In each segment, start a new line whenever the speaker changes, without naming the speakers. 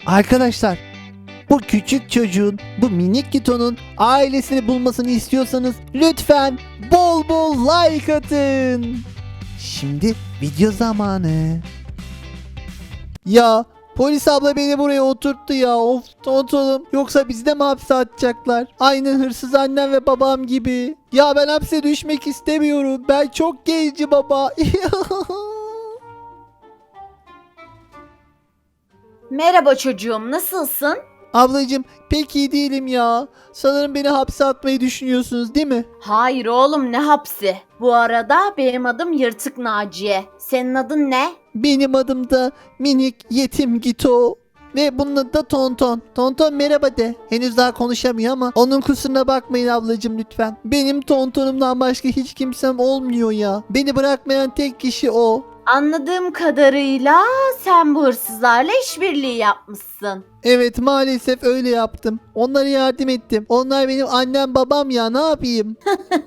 Arkadaşlar, bu küçük çocuğun, bu minik Gito'nun ailesini bulmasını istiyorsanız lütfen bol bol like atın. Şimdi video zamanı. Ya polis abla beni buraya oturttu ya. Of oğlum. Yoksa bizi de mi hapse atacaklar? Aynı hırsız annem ve babam gibi. Ya ben hapse düşmek istemiyorum. Ben çok genci baba.
Merhaba çocuğum, nasılsın?
Ablacığım pek iyi değilim ya. Sanırım beni hapse atmayı düşünüyorsunuz değil mi?
Hayır oğlum, ne hapsi? Bu arada benim adım Yırtık Naciye. Senin adın ne?
Benim adım da minik yetim Gito. Ve bunun adı da Tonton. Tonton merhaba de. Henüz daha konuşamıyor ama onun kusuruna bakmayın ablacığım lütfen. Benim Tontonumdan başka hiç kimsem olmuyor ya. Beni bırakmayan tek kişi o.
Anladığım kadarıyla sen bu hırsızlarla işbirliği yapmışsın.
Evet maalesef öyle yaptım. Onlara yardım ettim. Onlar benim annem babam ya, ne yapayım?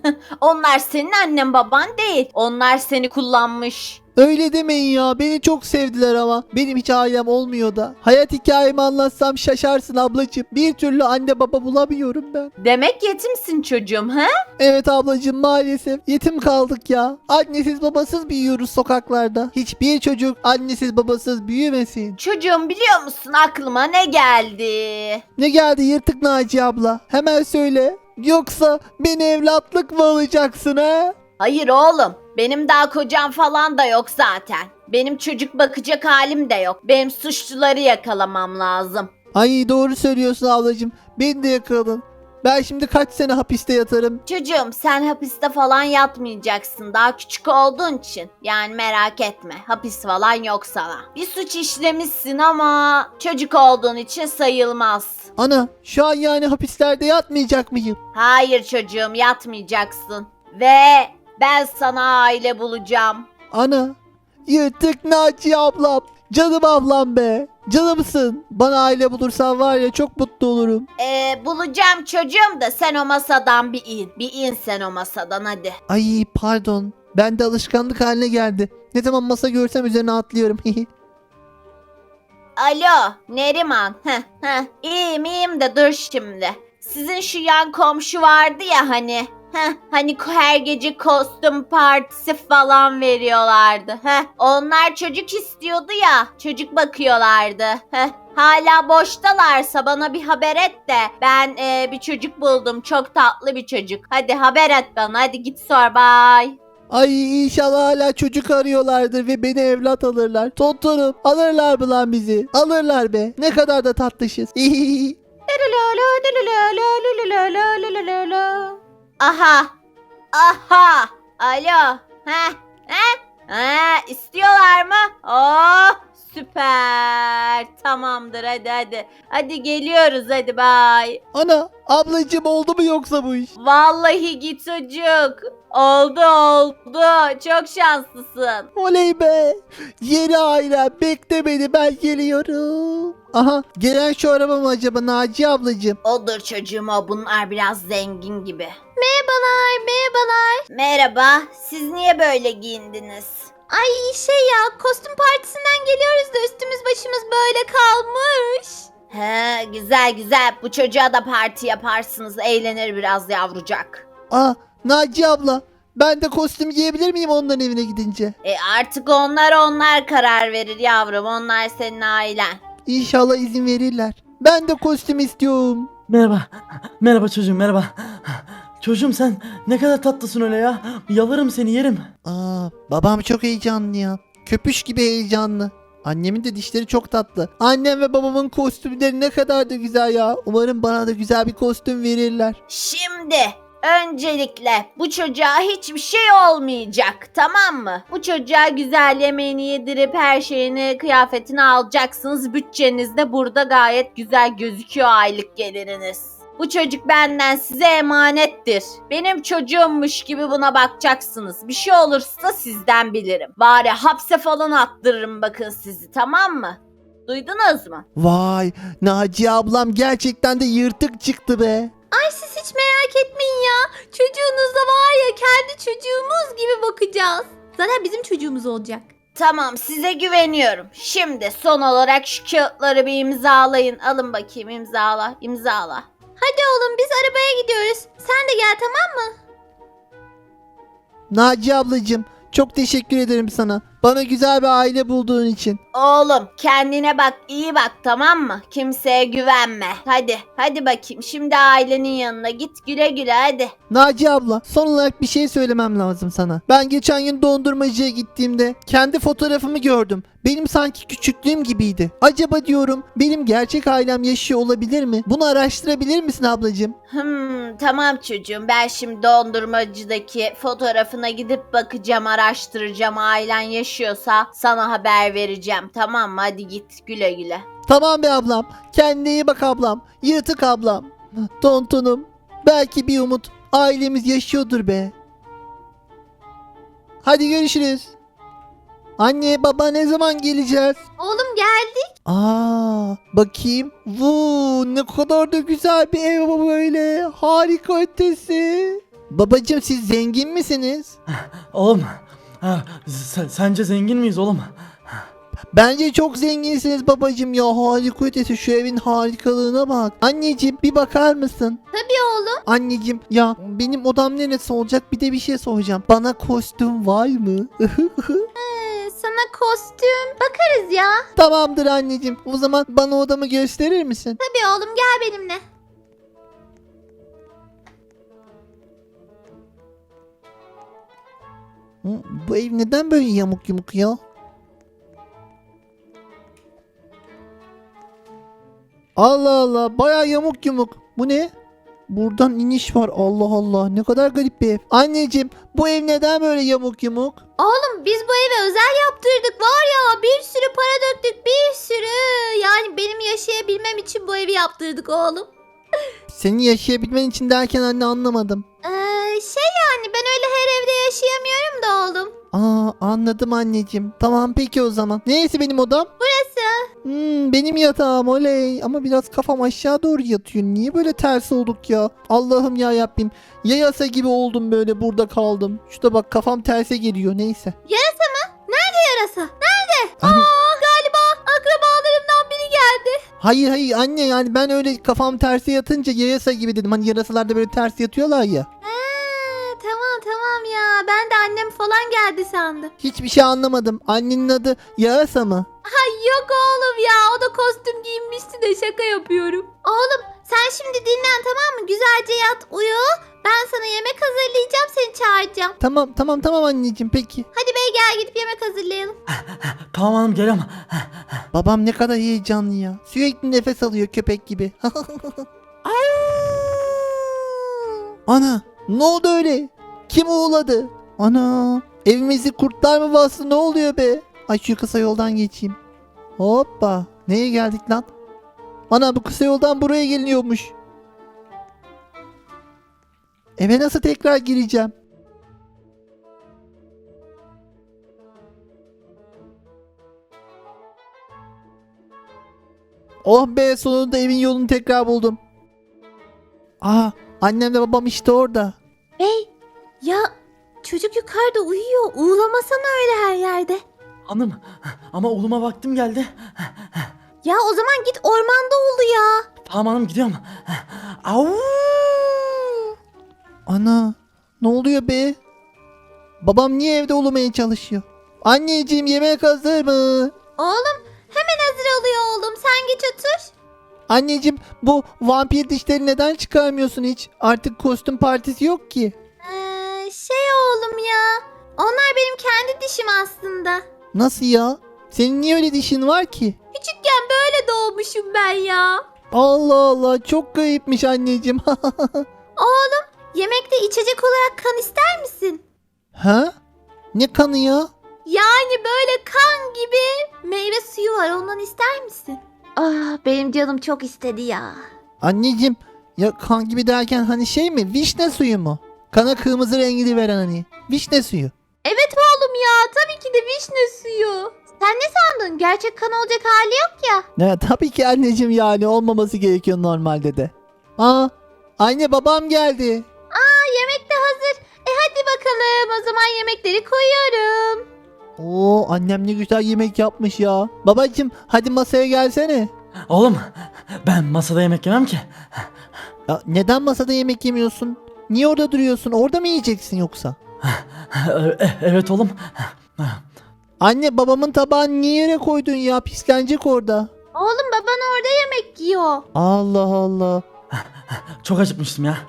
Onlar senin annen baban değil. Onlar seni kullanmış.
Öyle demeyin ya. Beni çok sevdiler ama. Benim hiç ailem olmuyor da. Hayat hikayemi anlatsam şaşarsın ablacığım. Bir türlü anne baba bulamıyorum ben.
Demek yetimsin çocuğum, ha?
Evet ablacığım maalesef. Yetim kaldık ya. Annesiz babasız büyüyoruz sokaklarda. Hiçbir çocuk annesiz babasız büyümesin.
Çocuğum, biliyor musun aklıma ne geldi?
Ne geldi yırtık Naci abla? Hemen söyle. Yoksa beni evlatlık mı alacaksın ha?
Hayır oğlum, benim daha kocam falan da yok zaten. Benim çocuk bakacak halim de yok. Benim suçluları yakalamam lazım.
Ay doğru söylüyorsun ablacığım. Beni de yakaladın. Ben şimdi kaç sene hapiste yatarım?
Çocuğum, sen hapiste falan yatmayacaksın daha küçük olduğun için. Yani merak etme, hapis falan yok sana. Bir suç işlemişsin ama çocuk olduğun için sayılmaz.
Ana şu an yani hapislerde yatmayacak mıyım?
Hayır çocuğum, yatmayacaksın. Ve ben sana aile bulacağım.
Ana yırtık Naci ablam. Canım ablam be. Canımsın. Bana aile bulursan var ya çok mutlu olurum.
Bulacağım çocuğum da sen o masadan bir in. Bir in sen o masadan hadi.
Ay pardon. Ben de alışkanlık haline geldi. Ne zaman masa görsem üzerine atlıyorum.
Alo Neriman. İyiyim de dur şimdi. Sizin şu yan komşu vardı ya hani. Hani her gece kostüm partisi falan veriyorlardı. Onlar çocuk istiyordu ya. Çocuk bakıyorlardı. Hala boştalarsa bana bir haber et de ben bir çocuk buldum. Çok tatlı bir çocuk. Hadi haber et bana. Hadi git sor, bye.
Ay inşallah hala çocuk arıyorlardır ve beni evlat alırlar. Tontonum alırlar mı lan bizi? Alırlar be. Ne kadar da tatlışız.
Aha. Aha. Alo. İstiyorlar mı? Oh, süper. Tamamdır, hadi. Hadi geliyoruz, hadi bye.
Ana ablacığım oldu mu yoksa bu iş?
Vallahi git çocuk. Oldu. Çok şanslısın.
Oley be. Yeni ailem bekle beni ben geliyorum. Aha gelen şu araba mı acaba Naci ablacığım?
Odur çocuğum o. Bunlar biraz zengin gibi.
Merhabalar.
Merhaba. Siz niye böyle giyindiniz?
Ay kostüm partisinden geliyoruz da üstümüz başımız böyle kalmış.
He, güzel. Bu çocuğa da parti yaparsınız. Eğlenir biraz yavrucak.
Aa Naci abla ben de kostüm giyebilir miyim onların evine gidince?
Artık onlar karar verir yavrum. Onlar senin ailen.
İnşallah izin verirler. Ben de kostüm istiyorum.
Merhaba. Merhaba çocuğum, merhaba. Çocuğum sen ne kadar tatlısın öyle ya. Yalarım seni, yerim.
Aa babam çok heyecanlı ya. Köpüş gibi heyecanlı. Annemin de dişleri çok tatlı. Annem ve babamın kostümleri ne kadar da güzel ya. Umarım bana da güzel bir kostüm verirler.
Şimdi öncelikle bu çocuğa hiçbir şey olmayacak, tamam mı? Bu çocuğa güzel yemeğini yedirip her şeyini, kıyafetini alacaksınız. Bütçeniz de burada gayet güzel gözüküyor, aylık geliriniz. Bu çocuk benden size emanettir. Benim çocuğummuş gibi buna bakacaksınız. Bir şey olursa sizden bilirim. Bari hapse falan attırırım bakın sizi, tamam mı? Duydunuz mu?
Vay Naciye ablam gerçekten de yırtık çıktı be.
Ay siz hiç merak etmeyin ya. Çocuğunuzda var ya kendi çocuğumuz gibi bakacağız. Zaten bizim çocuğumuz olacak.
Tamam, size güveniyorum. Şimdi son olarak şu kağıtları bir imzalayın. Alın bakayım, imzala, imzala.
Hadi oğlum biz arabaya gidiyoruz. Sen de gel, tamam mı?
Naciye ablacığım, çok teşekkür ederim sana. Bana güzel bir aile bulduğun için.
Oğlum kendine bak, iyi bak, tamam mı? Kimseye güvenme. Hadi bakayım. Şimdi ailenin yanına git, güle güle hadi.
Naciye abla, son olarak bir şey söylemem lazım sana. Ben geçen gün dondurmacıya gittiğimde kendi fotoğrafımı gördüm. Benim sanki küçüklüğüm gibiydi. Acaba diyorum benim gerçek ailem yaşıyor olabilir mi? Bunu araştırabilir misin ablacığım?
Tamam çocuğum. Ben şimdi dondurmacıdaki fotoğrafına gidip bakacağım, araştıracağım. Ailen yaşıyorsa sana haber vereceğim. Tamam mı? Hadi git, güle güle.
Tamam be ablam. Kendine iyi bak ablam. Yırtık ablam. Tontonum. Belki bir umut. Ailemiz yaşıyordur be. Hadi görüşürüz. Anne baba ne zaman geleceğiz?
Oğlum geldik.
Bakayım. Vuu ne kadar da güzel bir ev bu böyle. Harika ötesi. Babacım siz zengin misiniz?
Oğlum sence zengin miyiz oğlum?
Bence çok zenginsiniz babacım ya. Harika ötesi, şu evin harikalığına bak. Anneciğim bir bakar mısın?
Tabii oğlum.
Anneciğim ya benim odam neresi olacak, bir de bir şey soracağım. Bana kostüm var mı?
Sana kostüm bakarız ya.
Tamamdır anneciğim. O zaman bana odamı gösterir misin?
Tabii oğlum, gel benimle.
Bu ev neden böyle yamuk yumuk ya? Allah Allah, baya yamuk yumuk. Bu ne? Buradan iniş var. Allah Allah, ne kadar garip bir ev. Anneciğim bu ev neden böyle yamuk yumuk?
Oğlum biz bu eve özel yaptırdık, var ya, bir sürü para döktük, bir sürü. Yani benim yaşayabilmem için bu evi yaptırdık oğlum.
Senin yaşayabilmen için derken anne, anlamadım.
Yani ben öyle her evde yaşayamıyorum da oğlum.
Anladım anneciğim. Tamam peki o zaman. Neyse benim odam?
Burası.
Benim yatağım, oley. Ama biraz kafam aşağı doğru yatıyor. Niye böyle ters olduk ya? Allah'ım ya Rabbim. Yayasa gibi oldum, böyle burada kaldım. Şurada bak, kafam terse geliyor, neyse.
Yarasa mı? Nerede yarasa? Nerede?
Anne-
Galiba akrabalarımdan biri geldi.
Hayır anne, yani ben öyle kafam terse yatınca yayasa gibi dedim. Hani yarasalar da böyle ters yatıyorlar ya.
Tamam ya, ben de annem falan geldi sandım.
Hiçbir şey anlamadım. Annenin adı yarasa mı?
Yok oğlum ya, o da kostüm giyinmişti de şaka yapıyorum. Oğlum sen şimdi dinlen, tamam mı? Güzelce yat, uyu. Ben sana yemek hazırlayacağım, seni çağıracağım.
Tamam anneciğim, peki.
Hadi bey, gel gidip yemek hazırlayalım.
Tamam hanım, geliyorum.
Babam ne kadar heyecanlı ya. Sürekli nefes alıyor köpek gibi. Ana, ne oldu öyle? Kim uğuladı? Ana, evimizi kurtlar mı bastı, ne oluyor be? Ay şu kısa yoldan geçeyim. Hoppa, neye geldik lan? Ana, bu kısa yoldan buraya geliniyormuş. Eve nasıl tekrar gireceğim? Oh be, sonunda evin yolunu tekrar buldum. Annemle babam işte orada.
Bey, ya çocuk yukarıda uyuyor. Uğulamasana öyle her yerde.
Hanım ama oğluma vaktim geldi.
Ya o zaman git, ormanda ulu ya.
Tamam hanım, gidiyorum. Au!
Ana, ne oluyor be? Babam niye evde olmaya çalışıyor? Anneciğim yemek hazır mı?
Oğlum hemen hazır oluyor oğlum. Sen geç otur.
Anneciğim bu vampir dişleri neden çıkarmıyorsun hiç? Artık kostüm partisi yok ki.
Oğlum ya. Onlar benim kendi dişim aslında.
Nasıl ya? Senin niye öyle dişin var ki?
Küçükken böyle doğmuşum ben ya.
Allah Allah, çok garipmiş anneciğim.
Oğlum, yemekte içecek olarak kan ister misin?
Ha? Ne kanı ya?
Yani böyle kan gibi meyve suyu var, ondan ister misin? Benim canım çok istedi ya.
Anneciğim ya, kan gibi derken hani şey mi? Vişne suyu mu? Kana kırmızı rengini veren hani. Vişne suyu.
Evet oğlum ya, tabii ki de vişne suyu. Sen ne sandın? Gerçek kan olacak hali yok ya.
Ne, tabii ki anneciğim, yani olmaması gerekiyor normalde de. Anne babam geldi.
Yemek de hazır. Hadi bakalım, o zaman yemekleri koyuyorum.
Oo, annem ne güzel yemek yapmış ya. Babacım hadi masaya gelsene.
Oğlum ben masada yemek yemem ki.
Ya neden masada yemek yemiyorsun? Niye orada duruyorsun? Orada mı yiyeceksin yoksa?
Evet oğlum.
Anne babamın tabağını niye yere koydun ya? Pislenecek orada.
Oğlum baban orada yemek yiyor.
Allah Allah.
Çok acıkmıştım ya.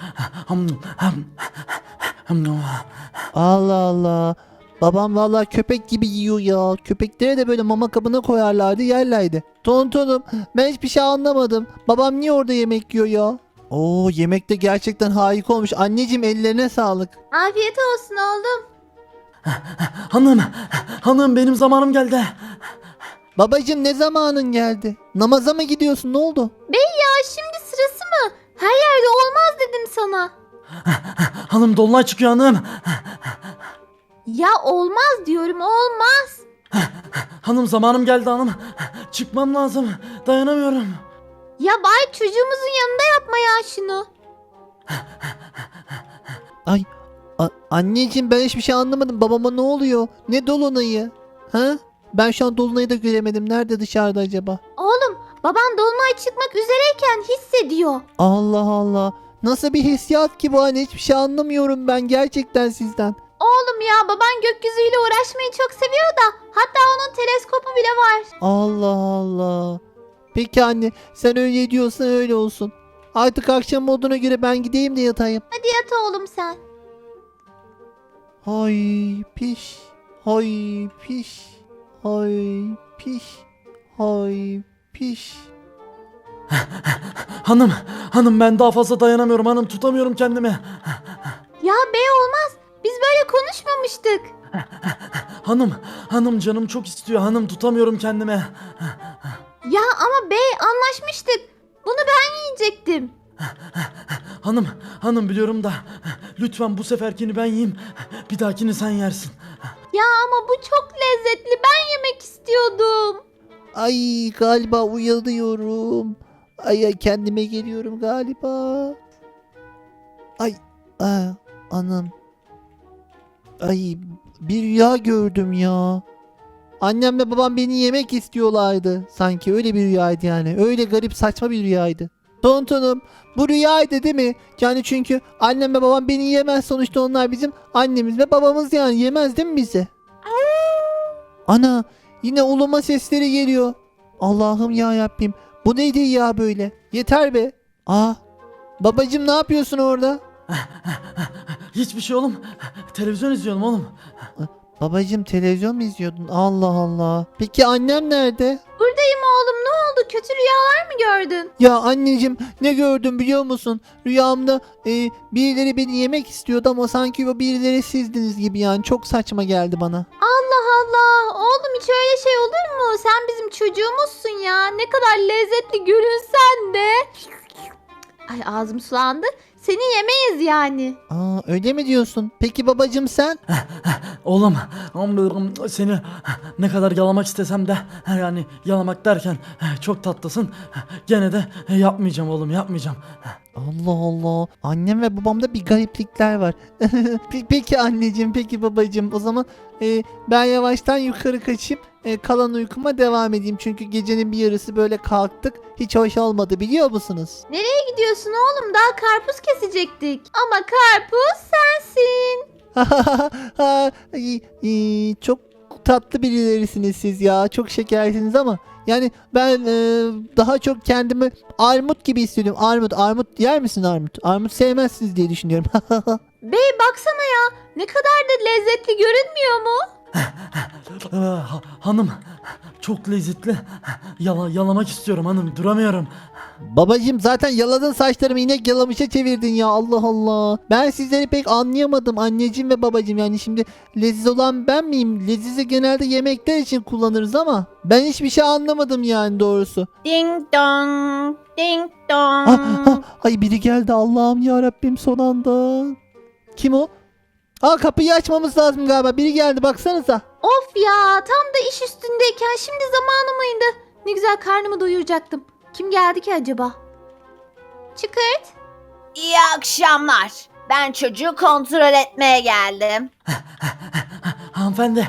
Allah Allah. Babam vallahi köpek gibi yiyor ya. Köpeklere de böyle mama kabına koyarlardı yerlerdi. Tontonum ben hiçbir şey anlamadım. Babam niye orada yemek yiyor ya? Oo, yemek de gerçekten harika olmuş. Anneciğim ellerine sağlık.
Afiyet olsun oğlum.
Hanım benim zamanım geldi.
Babacığım ne zamanın geldi? Namaza mı gidiyorsun? Ne oldu?
Bey ya şimdi sırası mı? Her yerde olmaz dedim sana.
Hanım dolunay çıkıyor hanım.
Ya olmaz diyorum olmaz.
Hanım zamanım geldi hanım. Çıkmam lazım. Dayanamıyorum.
Ya bari çocuğumuzun yanında yapma ya şunu.
Ay anneciğim ben hiçbir şey anlamadım. Babama ne oluyor? Ne dolunayı? Ha? Ben şu an dolunayı da göremedim. Nerede dışarıda acaba?
Oğlum baban dolunay çıkmak üzereyken hissediyor.
Allah Allah. Nasıl bir hissiyat ki bu anne? Hiçbir şey anlamıyorum ben gerçekten sizden.
Oğlum ya baban gökyüzüyle uğraşmayı çok seviyor da hatta onun teleskopu bile var.
Allah Allah. Peki anne sen öyle diyorsan öyle olsun. Artık akşam olduğuna göre ben gideyim de yatayım.
Hadi yat oğlum sen.
Hay piş. Hay piş. Hay piş. Hay piş.
Hanım ben daha fazla dayanamıyorum hanım. Tutamıyorum kendimi.
Ya bey olmaz. Biz böyle konuşmamıştık.
Hanım canım çok istiyor hanım. Tutamıyorum kendimi.
Ya ama bey anlaşmıştık. Bunu ben yiyecektim.
Hanım biliyorum da lütfen bu seferkini ben yiyeyim. Bir dahakini sen yersin.
Ya ama bu çok lezzetli. Ben yemek istiyordum.
Ay galiba uyanıyorum. Ay kendime geliyorum galiba. Ay anam. Ay bir rüya gördüm ya. Annemle babam beni yemek istiyorlardı. Sanki öyle bir rüyaydı yani. Öyle garip saçma bir rüyaydı. Tontonum bu rüyaydı değil mi? Yani çünkü annem ve babam beni yemez. Sonuçta onlar bizim annemiz ve babamız yani. Yemez değil mi bizi? Ana yine uluma sesleri geliyor. Allah'ım ya Rabbim. Bu neydi ya böyle? Yeter be. Babacım ne yapıyorsun orada?
Hiçbir şey oğlum. Televizyon izliyorum oğlum.
Babacım televizyon mu izliyordun? Allah Allah. Peki annem nerede?
Buradayım oğlum. Ne oldu? Kötü rüyalar mı gördün?
Ya anneciğim ne gördüm biliyor musun? Rüyamda birileri beni yemek istiyordu ama sanki o birileri sizdiniz gibi yani. Çok saçma geldi bana.
Allah Allah. Oğlum hiç öyle şey olur mu? Sen bizim çocuğumuzsun ya. Ne kadar lezzetli görünsen de. Ay ağzım sulandı. Seni yemeyiz yani.
Öyle mi diyorsun? Peki babacım sen?
Oğlum seni ne kadar yalamak istesem de yani yalamak derken çok tatlısın. Gene de yapmayacağım oğlum yapmayacağım.
Allah Allah. Annem ve babamda bir gariplikler var. Peki anneciğim, peki babacığım. O zaman ben yavaştan yukarı kaçayım. Kalan uykuma devam edeyim. Çünkü gecenin bir yarısı böyle kalktık. Hiç hoş olmadı biliyor musunuz?
Nereye gidiyorsun oğlum? Daha karpuz kesecektik. Ama karpuz sensin.
Çok tatlı birilerisiniz siz ya. Çok şekersiniz ama yani ben daha çok kendimi armut gibi hissediyorum. Armut yer misin armut? Armut sevmezsiniz diye düşünüyorum.
Bey baksana ya. Ne kadar da lezzetli görünmüyor mu?
Hanım çok lezzetli. Yalamak istiyorum hanım duramıyorum.
Babacım zaten yaladın saçlarımı, inek yalamışa çevirdin ya, Allah Allah. Ben sizleri pek anlayamadım anneciğim ve babacım, yani şimdi leziz olan ben miyim? Lezizi genelde yemekler için kullanırız ama ben hiçbir şey anlamadım yani doğrusu.
Ding dong, ding dong.
Ay biri geldi, Allah'ım ya Rabbim, son anda. Kim o? Kapıyı açmamız lazım galiba, biri geldi baksanıza.
Of ya tam da iş üstündeyken şimdi zamanı mıydı? Ne güzel karnımı doyuracaktım. Kim geldi ki acaba? Çıkart.
İyi akşamlar. Ben çocuğu kontrol etmeye geldim.
Hanımefendi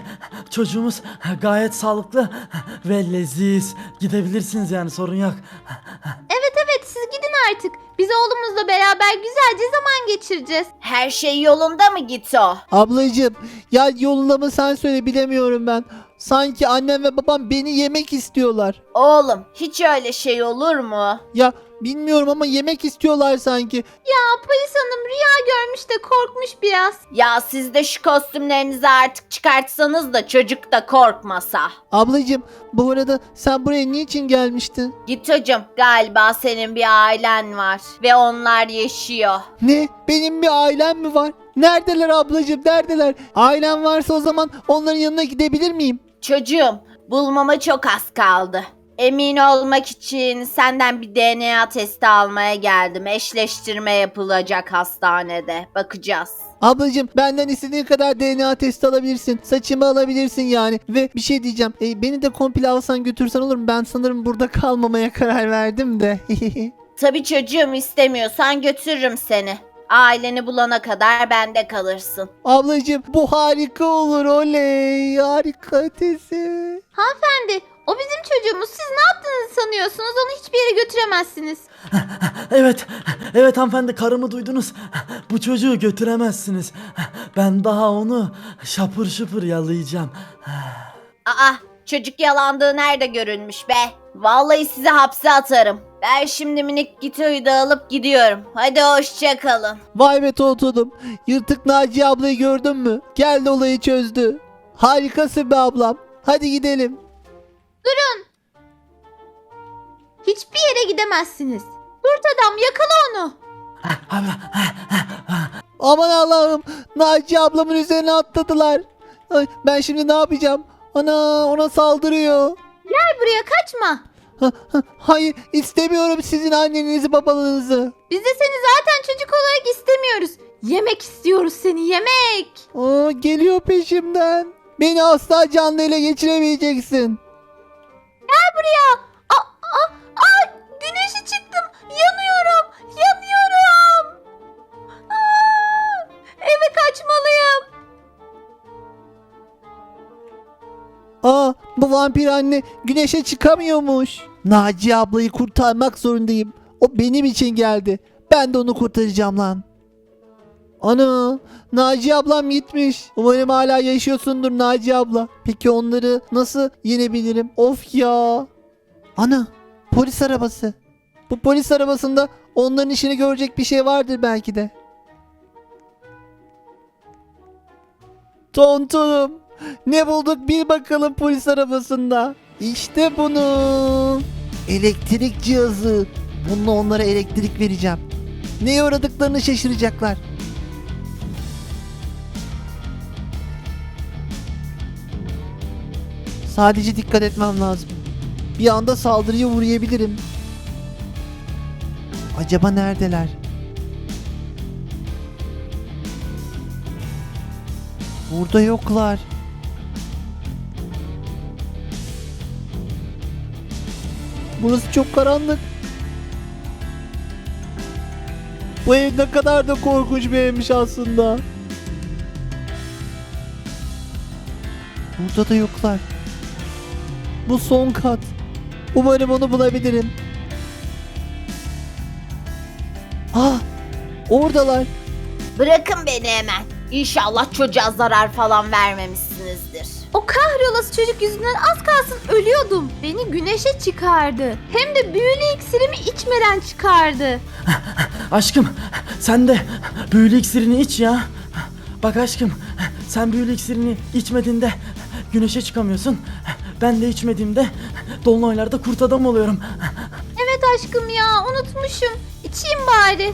çocuğumuz gayet sağlıklı ve leziz. Gidebilirsiniz yani, sorun yok.
Evet siz gidin artık. Biz oğlumuzla beraber güzelce zaman geçireceğiz.
Her şey yolunda mı Gito?
Ablacığım ya yolunda mı sen söyle bilemiyorum ben. Sanki annem ve babam beni yemek istiyorlar.
Oğlum hiç öyle şey olur mu?
Ya bilmiyorum ama yemek istiyorlar sanki.
Ya polis hanım rüya görmüş de korkmuş biraz.
Ya siz de şu kostümlerinizi artık çıkartsanız da çocuk da korkmasa.
Ablacığım bu arada sen buraya niçin gelmiştin?
Gito'cum galiba senin bir ailen var ve onlar yaşıyor.
Ne? Benim bir ailem mi var? Neredeler ablacığım neredeler? Ailem varsa o zaman onların yanına gidebilir miyim?
Çocuğum bulmama çok az kaldı. Emin olmak için senden bir DNA testi almaya geldim. Eşleştirme yapılacak hastanede. Bakacağız.
Ablacığım benden istediğin kadar DNA testi alabilirsin. Saçımı alabilirsin yani. Ve bir şey diyeceğim. Beni de komple alsan götürsen olur mu? Ben sanırım burada kalmamaya karar verdim de.
Tabii çocuğum istemiyorsan götürürüm seni. Aileni bulana kadar bende kalırsın.
Ablacığım bu harika olur oley. Harika ötesi.
Hanımefendi o bizim çocuğumuz. Siz ne yaptığınızı sanıyorsunuz? Onu hiçbir yere götüremezsiniz.
Evet hanımefendi, karımı duydunuz. Bu çocuğu götüremezsiniz. Ben daha onu şapır şıpır yalayacağım.
Aa, çocuk yalandığı nerede görülmüş be? Vallahi sizi hapse atarım. Ben şimdi minik Gito'yu da alıp gidiyorum. Hadi hoşça kalın.
Vay be Tontonum. Yırtık Naciye ablayı gördün mü? Geldi olayı çözdü. Harikasın be ablam. Hadi gidelim.
Hiçbir yere gidemezsiniz. Kurt adam yakala onu.
Aman Allah'ım. Naciye ablamın üzerine atladılar. Ay, ben şimdi ne yapacağım? Ana ona saldırıyor.
Gel buraya kaçma.
Hayır istemiyorum sizin annenizi babanızı.
Biz de seni zaten çocuk olarak istemiyoruz. Yemek istiyoruz seni yemek.
Aa, geliyor peşimden. Beni asla canlı ele geçiremeyeceksin.
Gel buraya. Güneşe çıktım. Yanıyorum. Yanıyorum. Eve kaçmalıyım.
Aa, bu vampir anne güneşe çıkamıyormuş. Naciye ablayı kurtarmak zorundayım. O benim için geldi. Ben de onu kurtaracağım lan. Ana, Naciye ablam gitmiş. Umarım hala yaşıyorsundur Naciye abla. Peki onları nasıl yenebilirim? Of ya. Ana, polis arabası. Bu polis arabasında onların işini görecek bir şey vardır belki de. Tontonum. Ne bulduk bir bakalım polis arabasında. İşte bunu. Elektrik cihazı. Bununla onlara elektrik vereceğim. Neye uğradıklarını şaşıracaklar. Sadece dikkat etmem lazım. Bir anda saldırıya uğrayabilirim. Acaba neredeler? Burada yoklar. Burası çok karanlık. Bu ev ne kadar da korkunç bir evmiş aslında. Burada da yoklar. Bu son kat. Umarım onu bulabilirim. Ah! Oradalar.
Bırakın beni hemen. İnşallah çocuğa zarar falan vermemişsinizdir.
O kahrolası çocuk yüzünden az kalsın ölüyordum. Beni güneşe çıkardı. Hem de büyülü iksirimi içmeden çıkardı.
Aşkım sen de büyülü iksirini iç ya. Bak aşkım, sen büyülü iksirini içmediğinde güneşe çıkamıyorsun. Ben de içmediğimde dolunaylarda kurt adam oluyorum.
Evet aşkım ya unutmuşum. İçeyim bari.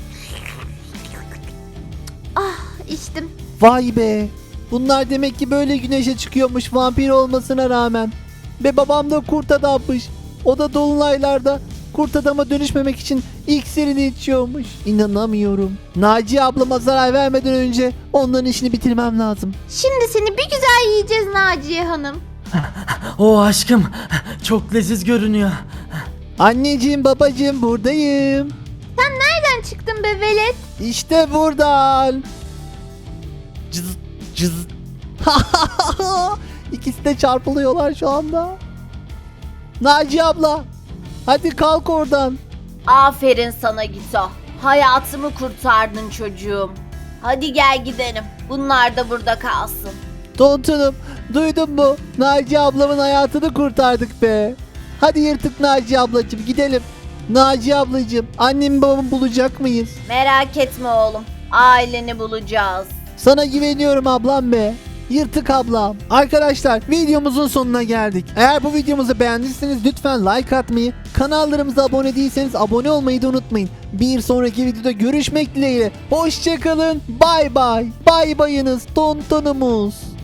Ah içtim.
Vay be. Bunlar demek ki böyle güneşe çıkıyormuş vampir olmasına rağmen. Ve babam da kurt adammış. O da dolunaylarda kurt adama dönüşmemek için iksirini içiyormuş. İnanamıyorum. Naciye ablama zarar vermeden önce onların işini bitirmem lazım.
Şimdi seni bir güzel yiyeceğiz Naciye Hanım.
O aşkım çok leziz görünüyor.
Anneciğim babacığım buradayım.
Nereden çıktın be velet?
İşte buradan. Cız cız. İkisi de çarpılıyorlar şu anda. Naciye abla. Hadi kalk oradan.
Aferin sana Gito. Hayatımı kurtardın çocuğum. Hadi gel gidelim. Bunlar da burada kalsın.
Tontonum, duydun mu? Naciye ablamın hayatını kurtardık be. Hadi yırtık Naciye ablacığım, gidelim. Naciye ablacığım, annemi babamı bulacak mıyız?
Merak etme oğlum. Aileni bulacağız.
Sana güveniyorum ablam be. Yırtık ablam. Arkadaşlar, videomuzun sonuna geldik. Eğer bu videomuzu beğendiyseniz lütfen like atmayı, kanallarımıza abone değilseniz abone olmayı da unutmayın. Bir sonraki videoda görüşmek dileğiyle. Hoşçakalın. Bay bay. Bay bayınız Tontonumuz.